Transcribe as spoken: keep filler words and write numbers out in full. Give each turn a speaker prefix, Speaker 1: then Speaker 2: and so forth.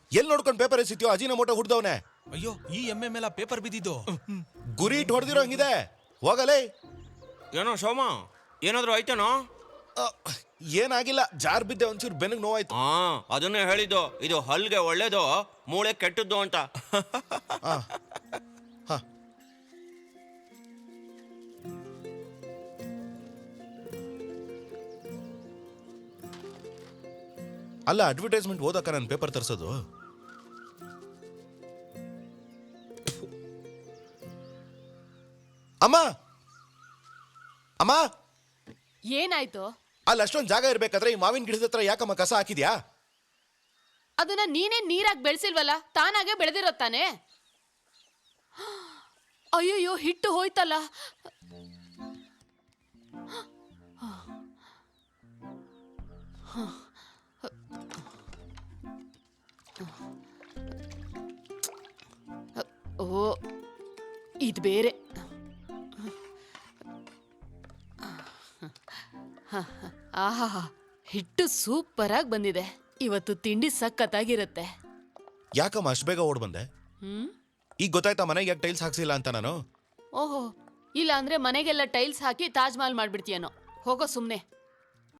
Speaker 1: ಎಲ್ಲಿ ನೋಡ್ಕೊಂಡು ಪೇಪರ್ ಎಸಿತ್ಯೋ ಅಜಿನ ಮೋಟ ಹುಡ್ದವನೆ.
Speaker 2: ಅಯ್ಯೋ ಈ ಎಮ್ಮೆ ಮೇಲೆ ಪೇಪರ್ ಬಿದ್ದಿದ್ದು.
Speaker 1: ಗುರಿ ಇಟ್ಟು ಹೊಡೆದಿರೋ ಹಂಗಿದೆ. ಹೋಗಲೇ.
Speaker 3: ಏನೋ ಸೋಮ, ಏನಾದ್ರು ಆಯ್ತೇನೋ?
Speaker 1: ಏನಾಗಿಲ್ಲ, ಜಾರ್ ಬಿದ್ದೆ, ಒಂಚೂರು ಬೆನ್ನಿಗೆ ನೋವಾಯ್ತು.
Speaker 3: ಹಾ ಅದನ್ನೇ ಹೇಳಿದ್ದು, ಇದು ಹಲ್ಗೆ ಒಳ್ಳೇದು, ಮೂಳೆ ಕೆಟ್ಟದ್ದು ಅಂತ.
Speaker 1: ಅಲ್ಲ, ಅಡ್ವರ್ಟೈಸ್ಮೆಂಟ್ ಓದಕ್ಕ ನಾನು ಪೇಪರ್ ತರಿಸೋದು. ಅಮ್ಮ ಅಮ್ಮ
Speaker 4: ಏನಾಯ್ತು?
Speaker 1: ಅಲ್ಲಿ ಅಷ್ಟೊಂದು ಜಾಗ ಇರ್ಬೇಕಾದ್ರೆ ಈ ಮಾವಿನ ಗಿಡದ ಹತ್ರ ಯಾಕಮ್ಮ ಕಸ ಹಾಕಿದ್ಯಾ?
Speaker 4: ಅದನ್ನ ನೀನೇ ನೀರಾಗಿ ಬೆಳೆಸಿಲ್ವಲ್ಲ, ತಾನಾಗೆ ಬೆಳೆದಿರೋ ತಾನೆ. ಅಯ್ಯಯ್ಯೋ, ಹಿಟ್ಟು ಹೋಯ್ತಲ್ಲ. ಓ, ಇದು ಬೇರೆ. ಆಹಾ, ಹಿಟ್ಟು ಸೂಪರ್ ಆಗಿ ಬಂದಿದೆ. ಇವತ್ತು ತಿಂಡಿ ಸಖತ್ತಾಗಿರುತ್ತೆ.
Speaker 1: ಯಾಕಮ್ಮ ಅಷ್ಟು ಬೇಗ ಓಡ್ ಬಂದೆ?
Speaker 4: ಹ್ಮ್
Speaker 1: ಈಗ ಗೊತ್ತಾಯ್ತಾ ಮನೆಗೆ ಯಾಕೆ ಟೈಲ್ಸ್ ಹಾಕ್ಸಿಲ್ಲ ಅಂತ ನಾನು?
Speaker 4: ಓಹೋ, ಇಲ್ಲ ಅಂದ್ರೆ ಮನೆಗೆಲ್ಲ ಟೈಲ್ಸ್ ಹಾಕಿ ತಾಜ್ ಮಹಲ್ ಮಾಡ್ಬಿಡ್ತೀಯನೋ. ಹೋಗೋ ಸುಮ್ನೆ.